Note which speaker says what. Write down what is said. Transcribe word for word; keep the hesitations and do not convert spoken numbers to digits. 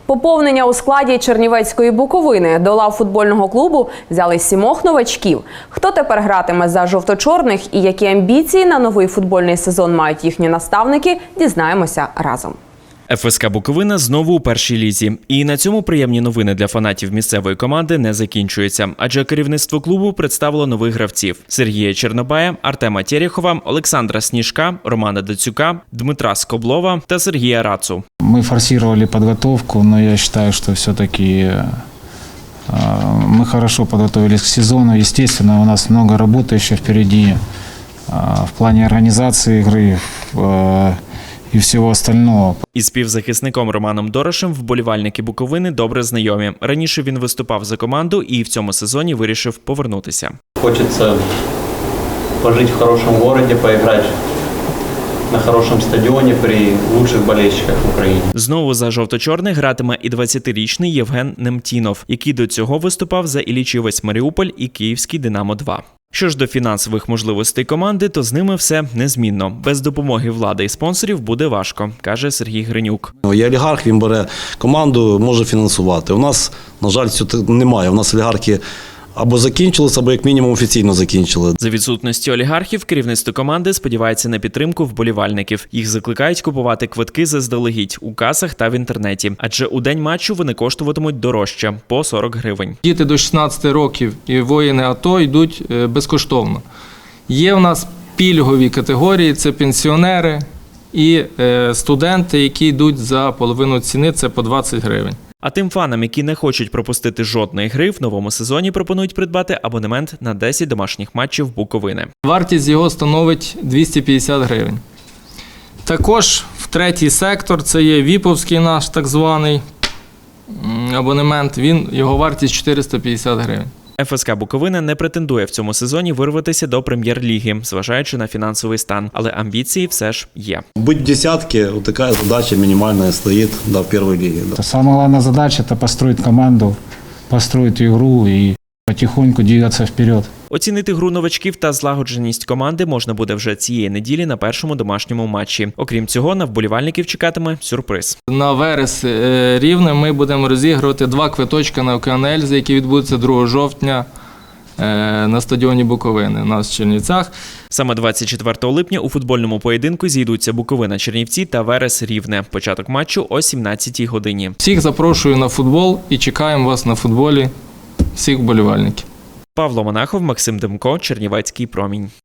Speaker 1: Поповнення у складі Чернівецької Буковини. До лав футбольного клубу взяли сімох новачків. Хто тепер гратиме за жовто-чорних і які амбіції на новий футбольний сезон мають їхні наставники, дізнаємося разом.
Speaker 2: еф ес ка Буковина знову у першій лізі. І на цьому приємні новини для фанатів місцевої команди не закінчуються. Адже керівництво клубу представило нових гравців – Сергія Чернобая, Артема Терехова, Олександра Сніжка, Романа Дацюка, Дмитра Скоблова та Сергія Рацу.
Speaker 3: Мы форсировали подготовку, но я считаю, что все-таки мы хорошо подготовились к сезону. Естественно, у нас много работы еще впереди в плане организации игры і всього остального.
Speaker 2: Із співзахисником Романом Дорошем вболівальники Буковини добре знайомі. Раніше він виступав за команду і в цьому сезоні вирішив повернутися.
Speaker 4: Хочеться пожити в хорошому місті, поіграти на хорошому стадіоні при лучших болельщиках в Україні.
Speaker 2: Знову за жовто-чорних гратиме і двадцятирічний Євген Немтінов, який до цього виступав за Іллічівець Маріуполь і Київський Динамо два. Що ж до фінансових можливостей команди, то з ними все незмінно. Без допомоги влади і спонсорів буде важко, каже Сергій Гринюк.
Speaker 5: Є олігарх, він бере команду, може фінансувати. У нас, на жаль, цього немає. У нас олігархи або закінчилися, або як мінімум офіційно закінчили.
Speaker 2: За відсутності олігархів керівництво команди сподівається на підтримку вболівальників. Їх закликають купувати квитки заздалегідь у касах та в інтернеті. Адже у день матчу вони коштуватимуть дорожче – по сорок гривень.
Speaker 6: Діти до шістнадцяти років і воїни АТО йдуть безкоштовно. Є в нас пільгові категорії – це пенсіонери і студенти, які йдуть за половину ціни – це по двадцять гривень.
Speaker 2: А тим фанам, які не хочуть пропустити жодної гри, в новому сезоні пропонують придбати абонемент на десять домашніх матчів Буковини.
Speaker 6: Вартість його становить двісті п'ятдесят гривень. Також в третій сектор, це є віповський наш так званий абонемент, він, його вартість чотириста п'ятдесят гривень.
Speaker 2: еф ес ка Буковина не претендує в цьому сезоні вирватися до прем'єр-ліги, зважаючи на фінансовий стан, але амбіції все ж є.
Speaker 5: Бути в десятці – така задача мінімальна стоїть до першої ліги.
Speaker 3: Самая главная задача – это построить команду, построить игру и потихоньку двигаться вперед.
Speaker 2: Оцінити гру новачків та злагодженість команди можна буде вже цієї неділі на першому домашньому матчі. Окрім цього, на вболівальників чекатиме сюрприз.
Speaker 6: На Верес Рівне ми будемо розігрувати два квиточка на Океан Ельзи, які відбудуться другого жовтня на стадіоні Буковини у нас в Чернівцях.
Speaker 2: Саме двадцять четвертого липня у футбольному поєдинку зійдуться Буковина Чернівці та Верес Рівне. Початок матчу о сімнадцятій годині.
Speaker 6: Всіх запрошую на футбол і чекаємо вас на футболі, всіх вболівальників.
Speaker 2: Павло Монахов, Максим Демко, Чернівецький промінь.